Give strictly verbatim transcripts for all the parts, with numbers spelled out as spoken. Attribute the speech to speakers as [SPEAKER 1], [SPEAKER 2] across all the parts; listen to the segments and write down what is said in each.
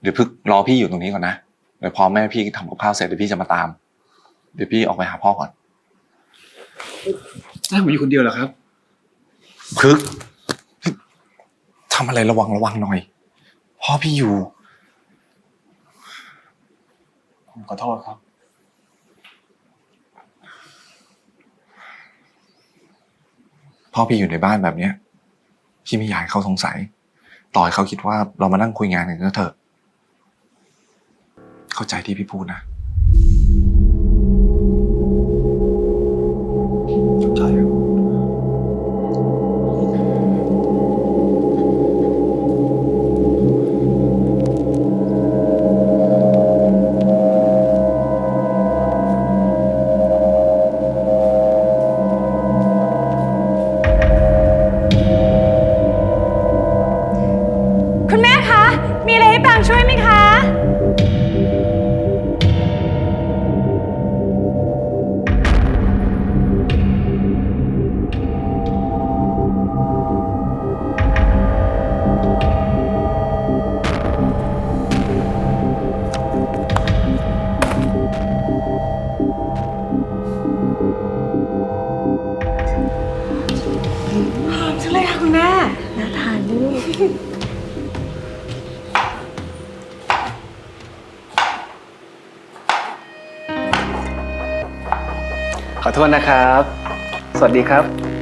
[SPEAKER 1] เดี๋ยวพึกรอพี่อยู่ตรงนี้ก่อนนะเดี๋ยวพอแม่พี่ทำกับข้าวเสร็จเดี๋ยวพี่จะมาตามเดี๋ยวพี่ออกไปหาพ่อก่อน
[SPEAKER 2] ให้ผมอยู่คนเดียวเหรอครับ
[SPEAKER 1] พึกทำอะไรระวังระวังหน่อยพ่อพี่อยู่
[SPEAKER 2] ผมขอโทษครับ
[SPEAKER 1] พ่อพี่อยู่ในบ้านแบบเนี้ยพี่ไม่อยากให้เขาสงสัยต่อให้เขาคิดว่าเรามานั่งคุยงานกันก็เถอะเข้าใจที่พี่พูดนะ
[SPEAKER 2] ใช่ครับ
[SPEAKER 3] คุณแม่คะมีอะไรให้ปรางช่วยไหมคะหอมจังเลยค่ะคุณแม่น่าทานด้วย
[SPEAKER 2] ขอโทษนะครับ สวัสดีครับ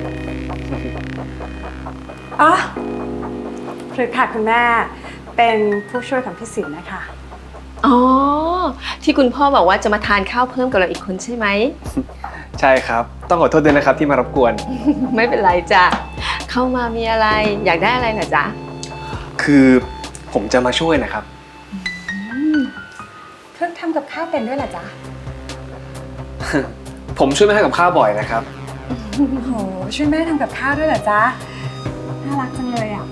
[SPEAKER 3] อ๋อพฤกษ์ค่ะคุณแม่เป็นผู้ช่วยของพี่สินนะคะ
[SPEAKER 4] อ๋อที่คุณพ่อบอกว่าจะมาทานข้าวเพิ่มกับเราอีกคนใช่ไหม
[SPEAKER 2] ใช่ครับต้องขอโทษด้วยนะครับที่มารบกวน
[SPEAKER 4] ไม่เป็นไรจ้ะเข้ามามีอะไรอยากได้อะไรเหรอจ๊ะ
[SPEAKER 2] คือผมจะมาช่วยนะครับ
[SPEAKER 3] พฤกษ์ทำกับข้าวเป็นด้วยเหรอจ๊ะ
[SPEAKER 2] ผมช่วยแม่ทำกับข้าวบ่อยนะครับ
[SPEAKER 3] โอ้โหช่วยแม่ทำกับข้าวด้วยเหรอจ๊ะน่ารักจังเลยอ่ะ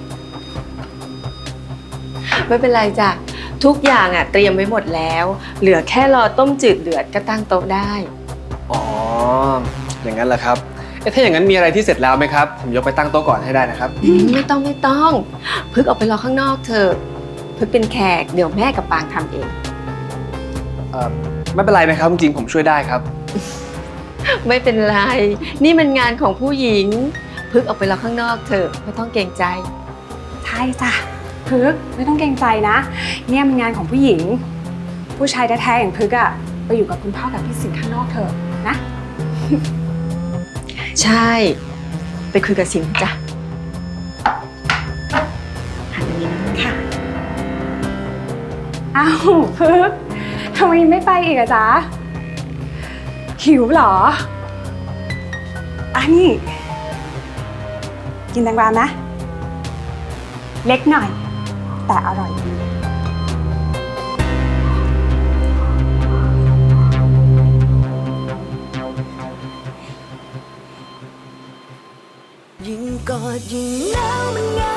[SPEAKER 4] ไม่เป็นไรจ้ะทุกอย่างอ่ะเตรียมไว้หมดแล้ว เหลือแค่รอต้มจืดเดือดก็ตั้งโต๊ะได้
[SPEAKER 2] อ๋ออย่างนั้นเหรอครับเอ๊ะถ้าอย่างนั้นมีอะไรที่เสร็จแล้วไหมครับผมยกไปตั้งโต๊ะก่อนให้ได้นะครับ
[SPEAKER 4] อืมไม่ต้องไม่ต้องพึกออกไปรอข้างนอกเถอะพึกเป็นแขกเดี๋ยวแม่กับปางทำเอง
[SPEAKER 2] เอ่อไม่เป็นไรนะครับจริงๆผมช่วยได้ครับ
[SPEAKER 4] ไม่เป็นไรนี่มันงานของผู้หญิงพึกออกไปรอข้างนอกเถอะไม่ต้องเกรงใจ
[SPEAKER 3] ใช่จ้ะพฤกษ์ไม่ต้องเกรงใจนะ เนี่ยมันงานของผู้หญิง ผู้ชายแท้ๆอย่างพฤกษ์อะไปอยู่กับคุณพ่อกับพี่สิงห์ข้างนอกเถอะนะ
[SPEAKER 4] ใช่ไปคุยกับสินจ้ะหันมานี้นะ
[SPEAKER 3] ค่ะอ้าวพฤกษ์ทำไมไม่ไปอีกอะจ๊ะหิวเหรออันนี้กินแตงกวาไหมเล็กหน่อย แต่อร่อยดี
[SPEAKER 5] ยิ่งกอดยิ่งหนาวมันเหงา